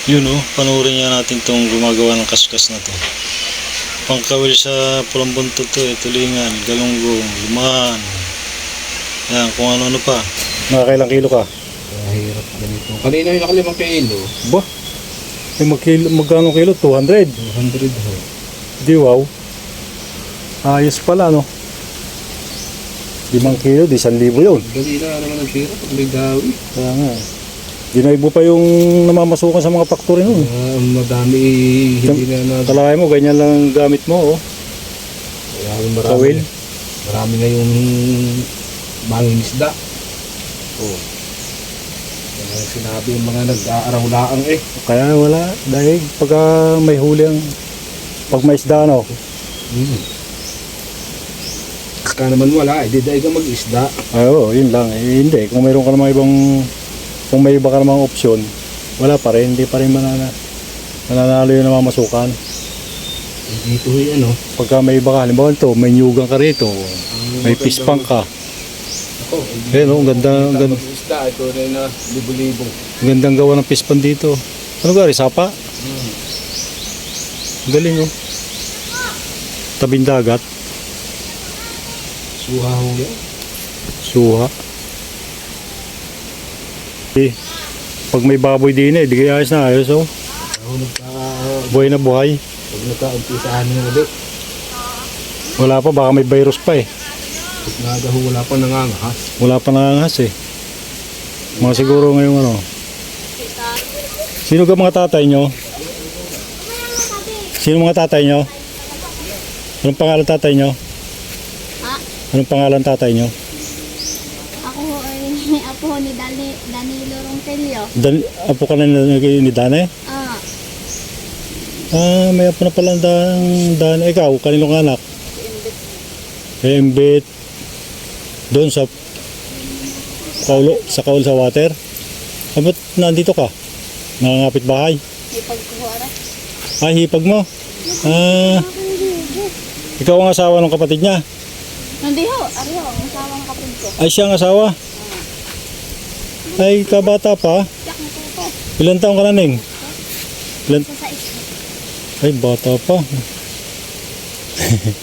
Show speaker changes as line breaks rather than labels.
Yun oh, panurin nga natin tong gumagawa ng kaskas na to. Pangkawil sa pulang buntot to eh, tulingan, galunggong, lumaan. Yan, kung ano-ano pa. Nakakailang kilo ka?
Mahirap ganito. Kanina yung naka 5 kilo.
Ba? Eh, magkano kilo? 200?
200 ho.
Di wow. Ayos pala no. 5 kilo, di 1,000 yun.
Dali na naman ang pira pag may dawi.
Kaya nga. Ginaibo pa yung namamasukan sa mga factory nun.
Madami hindi na
Kalakay mo, ganyan lang ang gamit mo oh.
marami.
Kawil.
Marami na yung mangingisda. Oh. Yan ang sinabi yung mga nag-aaraw-laang eh.
Kaya wala. Dahil pagka may huli ang pag may isda no.
Ka naman wala, di dahil ka mag-isda.
Oo, yun lang. Eh, hindi. Kung mayroon ka namang ibang kung may iba ka namang opsyon, wala pa rin. Hindi pa rin mananalo yung namamasukan.
Dito yung ano.
Pagka may iba ka, halimbawa ito, may nyugang ka rito. May pispang ka.
Ako,
Eh no, ganda.
mag-isda, ito na libo-libo.
Gandang gawa ng pispan dito. Ano gari, sapa? Galing oh. Tabing dagat.
Suha ho yan.
Suha. Eh, pag may baboy din eh, di kaya ayos na ayos oh.
Ako
Buhay na buhay.
pag nagka-umpisahan ng ulit.
Wala pa, baka may virus pa eh.
Pag nagaho, wala pa nangangahas.
Wala pa nangangahas eh. Mga siguro ngayong ano. Sino ka mga tatay nyo? Sino mga tatay nyo? Anong pangalan tatay nyo?
Ha?
Anong pangalan tatay nyo?
Ako ho ay apo ho ni Danilo Ronquillo.
Apo ka na ni Dane?
Ah,
May apo na pala ang Dane. Ikaw, kaninong anak? Embit. Doon sa kaulo, sa water. Ba't nandito ka? Nangangapit bahay?
ipag ko ara.
Hipag mo? Ikaw ang asawa ng kapatid niya?
Hindi ho, ari ho, ang asawa ng kapatid ko.
Ay, siya ang asawa? Ay, kabata pa?
Yak na po.
Ilan taong ka na, Ning?
Sa isa.
Ay, bata pa.